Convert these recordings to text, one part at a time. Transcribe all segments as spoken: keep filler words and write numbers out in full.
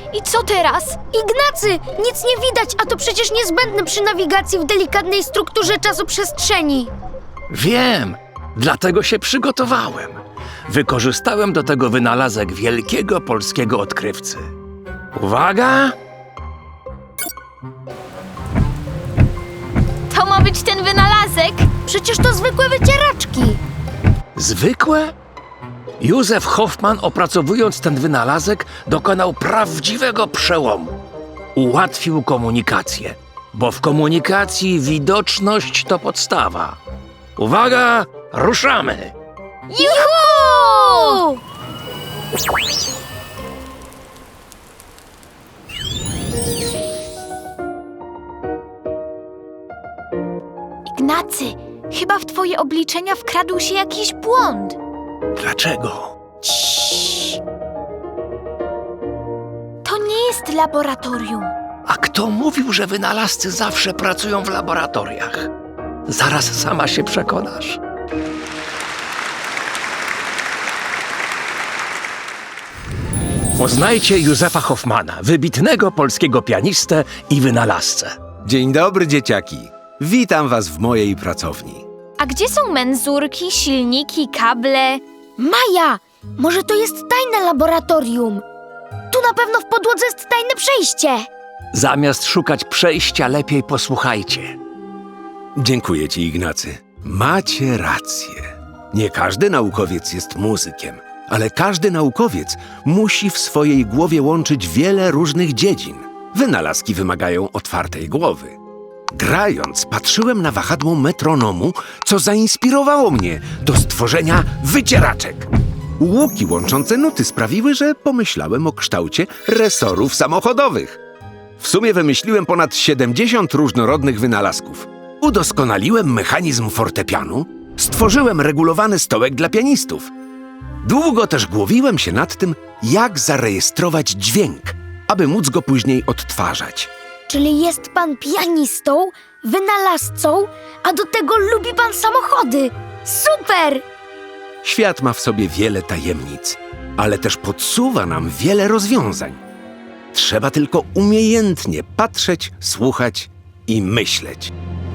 I co teraz? Ignacy, nic nie widać, a to przecież niezbędne przy nawigacji w delikatnej strukturze czasoprzestrzeni. Wiem, dlatego się przygotowałem. Wykorzystałem do tego wynalazek wielkiego polskiego odkrywcy. Uwaga! To ma być ten wynalazek? Przecież to zwykłe wycieraczki. Zwykłe? Józef Hoffmann, opracowując ten wynalazek, dokonał prawdziwego przełomu. Ułatwił komunikację, bo w komunikacji widoczność to podstawa. Uwaga, ruszamy! Juhu! Ignacy, chyba w twoje obliczenia wkradł się jakiś błąd. Dlaczego? To nie jest laboratorium. A kto mówił, że wynalazcy zawsze pracują w laboratoriach? Zaraz sama się przekonasz. Poznajcie Józefa Hoffmanna, wybitnego polskiego pianistę i wynalazcę. Dzień dobry, dzieciaki. Witam was w mojej pracowni. A gdzie są menzurki, silniki, kable? Maja, może to jest tajne laboratorium. Tu na pewno w podłodze jest tajne przejście. Zamiast szukać przejścia, lepiej posłuchajcie. Dziękuję ci, Ignacy. Macie rację. Nie każdy naukowiec jest muzykiem, ale każdy naukowiec musi w swojej głowie łączyć wiele różnych dziedzin. Wynalazki wymagają otwartej głowy. Grając, patrzyłem na wahadło metronomu, co zainspirowało mnie do stworzenia wycieraczek. Łuki łączące nuty sprawiły, że pomyślałem o kształcie resorów samochodowych. W sumie wymyśliłem ponad siedemdziesiąt różnorodnych wynalazków. Udoskonaliłem mechanizm fortepianu, stworzyłem regulowany stołek dla pianistów. Długo też głowiłem się nad tym, jak zarejestrować dźwięk, aby móc go później odtwarzać. Czyli jest pan pianistą, wynalazcą, a do tego lubi pan samochody. Super! Świat ma w sobie wiele tajemnic, ale też podsuwa nam wiele rozwiązań. Trzeba tylko umiejętnie patrzeć, słuchać i myśleć.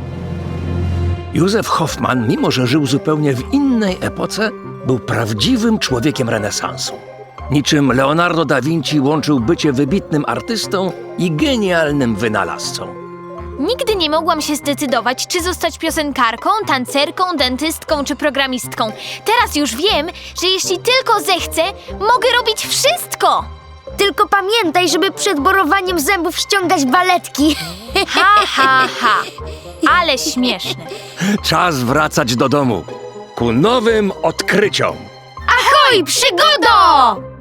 Józef Hoffmann, mimo że żył zupełnie w innej epoce, był prawdziwym człowiekiem renesansu. Niczym Leonardo da Vinci łączył bycie wybitnym artystą i genialnym wynalazcą. Nigdy nie mogłam się zdecydować, czy zostać piosenkarką, tancerką, dentystką czy programistką. Teraz już wiem, że jeśli tylko zechcę, mogę robić wszystko! Tylko pamiętaj, żeby przed borowaniem zębów ściągać baletki. Ha, ha, ha! Ale śmieszne. Czas wracać do domu ku nowym odkryciom. Ahoj, przygodo!